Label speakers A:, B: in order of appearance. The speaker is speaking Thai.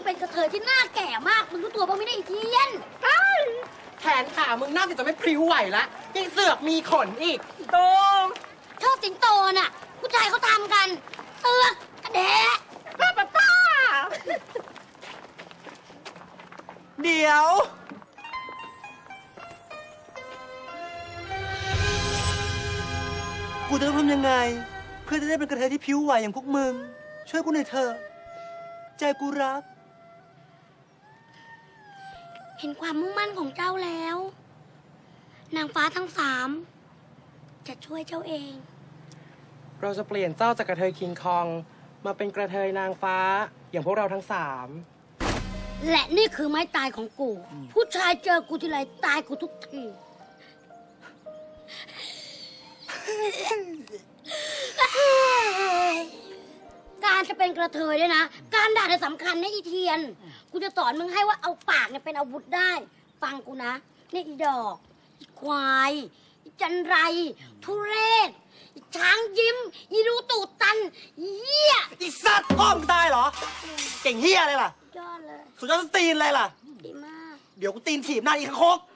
A: เป็นกระเทยที่หน้าแก่มากมึงรู้ตัวบ้างไม่ได้อีเทียน
B: แขนขามึงน่าจะไม่พริ้วไหวละยังเสือกมีขนอีกโตง
A: ชอบสิงโตน่ะผู้ชายเขาทำกันเตือกกระแดะ
B: ป้าเดี๋ยวกูจะต้องทำยังไง เพื่อจะได้เป็นกระเทยที่ผิวไหวอย่างพวกมึง ช่วยกูหน่อยเถอะใจกูรัก
A: เห็นความมุ่งมั่นของเจ้าแล้ว นางฟ้าทั้ง3จะช่วยเจ้าเอง
B: เราจะเปลี่ยนเจ้าจากกระเทยคิงคอง มาเป็นกระเทยนางฟ้าอย่างพวกเราทั้ง3
A: และนี่คือไม้ตายของกู ผู้ชายเจอกูทีไรตายกูทุกที การจะเป็นกระเทยเนี่ยนะ การด่าเนี่ยสำคัญนะอีเทียน กูจะสอนมึงให้ว่าเอาปากเนี่ยเป็นอาวุธได้ ฟังกูนะนี่อีดอกอีควายอีจันไร ทุเรศอีช้างยิ้มอีรูตูดตันอีเหี้ย
C: ไอีสัตว์พ่อมึงตายเหรอ เก่งเฮียอะไรล่ะ
A: ยอดเลย
C: สุดยอดตีนอะไรล่ะ
A: ดีมาก
C: เดี๋ยวกูตีนถีบหน้าอีกคก